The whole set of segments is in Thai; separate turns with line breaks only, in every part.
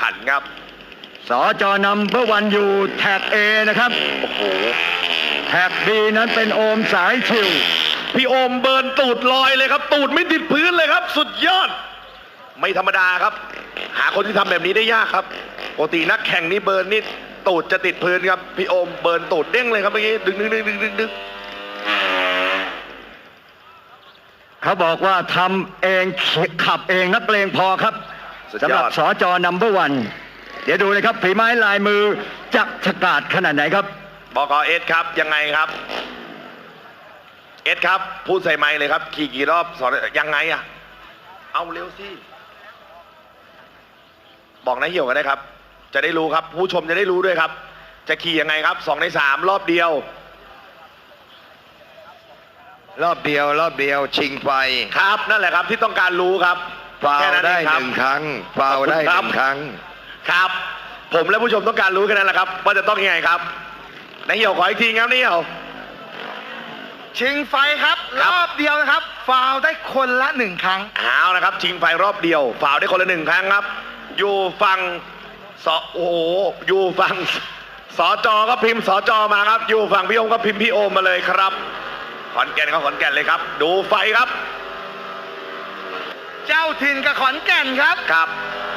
ขันครับ
สจนำเพื่อวันอยู่แท็ก A นะครับโอ้โหแท็ก B นั้นเป็นโอมสายชิว
พี่โอมเบิร์นตูดลอยเลยครับตูดไม่ติดพื้นเลยครับสุดยอดไม่ธรรมดาครับหาคนที่ทำแบบนี้ได้ยากครับปกตินักแข่งนี่เบิร์นนี่ตูดจะติดพื้นครับพี่โอมเบิร์นตูดเด้งเลยครับเมื่อกี้ดึง
เขาบอกว่าทำเองขับเองนักเลงพอครับสำหรับสจนัมเบอร์วันเดี๋ยวดูเลยครับฝีไม้ลายมือจักฉกาจขนาดไหนครับ
บก.เอสครับยังไงครับเอสครับพูดใส่ไมค์เลยครับขี่กี่รอบสอนยังไงอะเอาเร็วสิบอกนายเหี่ยวกันได้ครับจะได้รู้ครับผู้ชมจะได้รู้ด้วยครับจะขี่ยังไงครับ2 ใน 3รอบเดียว
รอบเดียวชิงไฟ
ครับนั่นแหละครับที่ต้องการรู้ครับ
ฟาวได้1 ครั้งฟาวได้1 ครั้ง
ครับผมและผู้ชมต้องการรู้แค่นั้นแหละครับว่าจะต้องยังไงครับนายเหี่ยวขออีกทีครับนายเหี่ยว
ชิงไฟครับรอบเดียวนะครับฟาวได้คนละ1 ครั้ง
เอานะครับชิงไฟรอบเดียวฟาวได้คนละ1 ครั้งครับอยู่ฝั่งโอ้โหอยู่ฝั่งสจก็พิมพ์สจมาครับอยู่ฝั่งพี่โอมก็พิมพ์พี่โอมมาเลยครับขอนแก่นก็ขอนแก่นเลยครับดูไฟครับ
เจ้าถิ่นกับขอนแก่นครับ
ครับ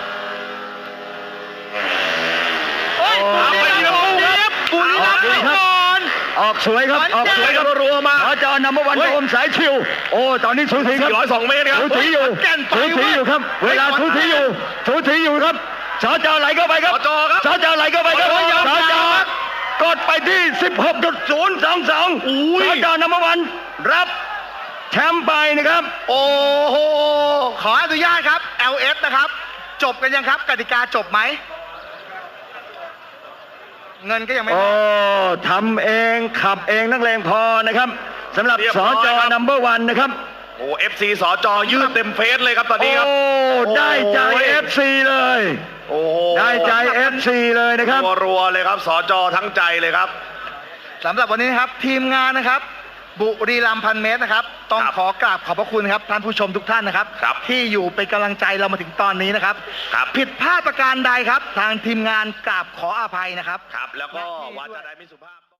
โอ้ยบุรีรัมย์ครับ
ออกสวยครับออกสวยครับ
รัวมา
สจนัมเบอร์วันโอมสายชิวโอ้ตอนนี้สูสีครับ
402 เมตรครับ
สูสีอยู่ครับเวลาสูสีอยู่ครับสจไหลเข้าไปครับสจไหลเข้าไปครับสจกดไปที่ 16.022 สจนัมเบอร์วันรับแชมป์ไปนะครับ
โอ้โหขออนุญาตครับ LS นะครับจบกันยังครับกติกาจบไหมเงินก็ยังไม่
โอ้ทำเองขับเองนักเลงพอนะครับสำหรับสจนัมเบอร์วันนะครับ
โอ้ FC สจยืดเต็มเฟซเลยครับตอนนี้ครับ
โอ้ได้ใจ FC เลย
โอ้
ได้ใจ FC เลยนะครับ
รัวเลยครับสจทั้งใจเลยครับ
สำหรับวันนี้นะครับทีมงานนะครับบุรีรัมย์1,000 เมตรนะครับต้องขอกราบขอบพระคุณครับท่านผู้ชมทุกท่านนะครับที่อยู่เป็นกำลังใจเรามาถึงตอนนี้นะครับผิดพลาดประการใดครับทางทีมงานกราบขออภัยนะครับ
แล้วก็วาจาใดไม่สุภาพ